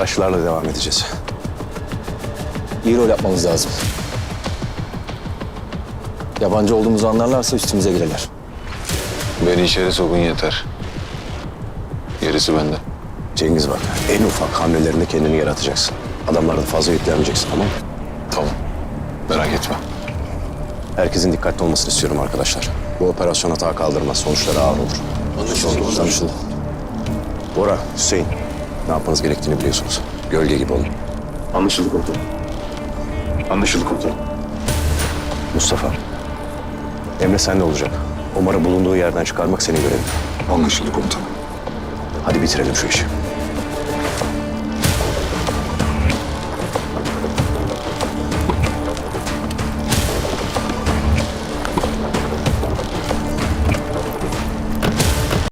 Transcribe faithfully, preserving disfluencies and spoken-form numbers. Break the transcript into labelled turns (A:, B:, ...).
A: Araçlarla devam edeceğiz.
B: İyi rol yapmamız lazım. Yabancı olduğumuzu anlarlarsa üstümüze girerler.
C: Beni içeri sokun yeter. Gerisi bende.
A: Cengiz bak, en ufak hamlelerinde kendini yaratacaksın. Adamlardan fazla yüklenmeyeceksin, tamam mı?
C: Tamam. Merak etme.
A: Herkesin dikkatli olmasını istiyorum arkadaşlar. Bu operasyon hata kaldırmaz, sonuçları ağır olur.
B: Anlaşıldı. Anlaşıldı.
A: Bora, Hüseyin, ne yapmanız gerektiğini biliyorsunuz. Gölge gibi olun.
D: Anlaşıldı komutanım. Anlaşıldı komutanım.
A: Mustafa, Emre sende olacak. Omar'ı bulunduğu yerden çıkarmak senin görevin.
D: Anlaşıldı komutanım.
A: Hadi bitirelim şu işi.